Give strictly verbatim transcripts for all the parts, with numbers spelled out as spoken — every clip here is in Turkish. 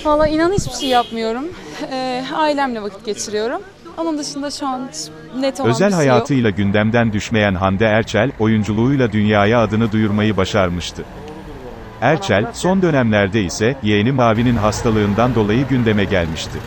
Valla inan hiçbir şey yapmıyorum. Ee, ailemle vakit geçiriyorum. Onun dışında şu an net olan Özel bir şey yok. hayatıyla gündemden düşmeyen Hande Erçel, oyunculuğuyla dünyaya adını duyurmayı başarmıştı. Erçel, son dönemlerde ise, yeğeni Mavi'nin hastalığından dolayı gündeme gelmişti.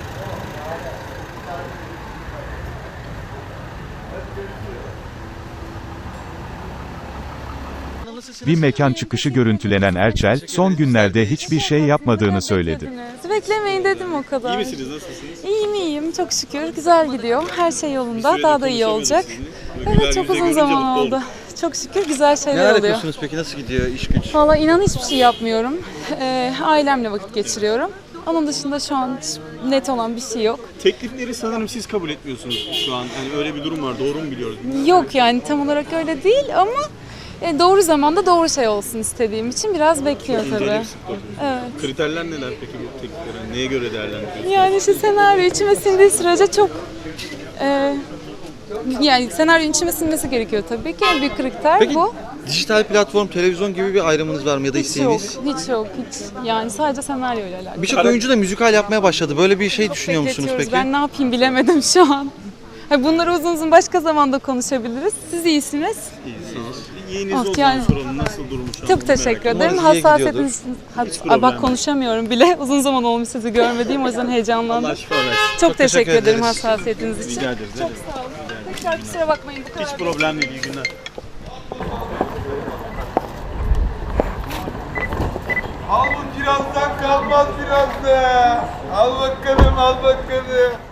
Bir mekan çıkışı görüntülenen Erçel, son günlerde hiçbir şey yapmadığını söyledi. Beklemeyin dedim o kadar. İyi misiniz? Nasılsınız? İyiyim iyiyim çok şükür. Güzel gidiyor. Her şey yolunda. süredir Daha da iyi konuşamıyorduk olacak. sizinle. Evet Güler çok yüzle uzun görünce zaman mutlu oldu. oldum. Çok şükür güzel şeyler Neler oluyor. yapıyorsunuz peki? Nasıl gidiyor iş güç? Valla inan hiçbir şey yapmıyorum. Ee, ailemle vakit geçiriyorum. Onun dışında şu an net olan bir şey yok. Teklifleri sanırım siz kabul etmiyorsunuz şu an. Yani öyle bir durum var. Doğru mu biliyoruz? Yok yani tam olarak öyle değil ama e, doğru zamanda doğru şey olsun istediğim için biraz bekliyor tabii. İnceleyip sık bakıyorsunuz. Evet. Kriterler neler peki bu tekliflere? Neye göre değerlendiriyorsunuz? Yani işte senaryo içime sindiği sürece çok e, yani senaryo içime sinmesi gerekiyor tabii ki. En büyük kriter Peki bu. dijital platform, televizyon gibi bir ayrımınız var mı ya da Hiç yok, isteğiniz? hiç yok, hiç. Yani sadece senaryo ile alakalı. Birçok oyuncu da müzikal yapmaya başladı. Böyle bir şey düşünüyor musunuz Bekletiyoruz. peki? Ben ne yapayım bilemedim şu an. Ha, bunları uzun uzun başka zamanda konuşabiliriz. Siz iyisiniz. İyisiniz. Yeğeniz Oh, olduğunu yani- soralım. Nasıl durumu şu an? Çok teşekkür Merak ederim. Umarız iyiye Hassasiyetiniz... Hiç Aa, problem bak yok. konuşamıyorum bile. Uzun zaman olmuş sizi görmediğim o yüzden heyecanlandım. Allah şifa versin. Çok, teşekkür, teşekkür ederim ederiz. hassasiyetiniz için. Rica ederiz. Çok sağ olun. Tekrar kusura bakmayın bu kadar. Hiç problem değil. İyi günler. Al bu kirazdan kalmaz biraz da. Al bakalım al bakalım.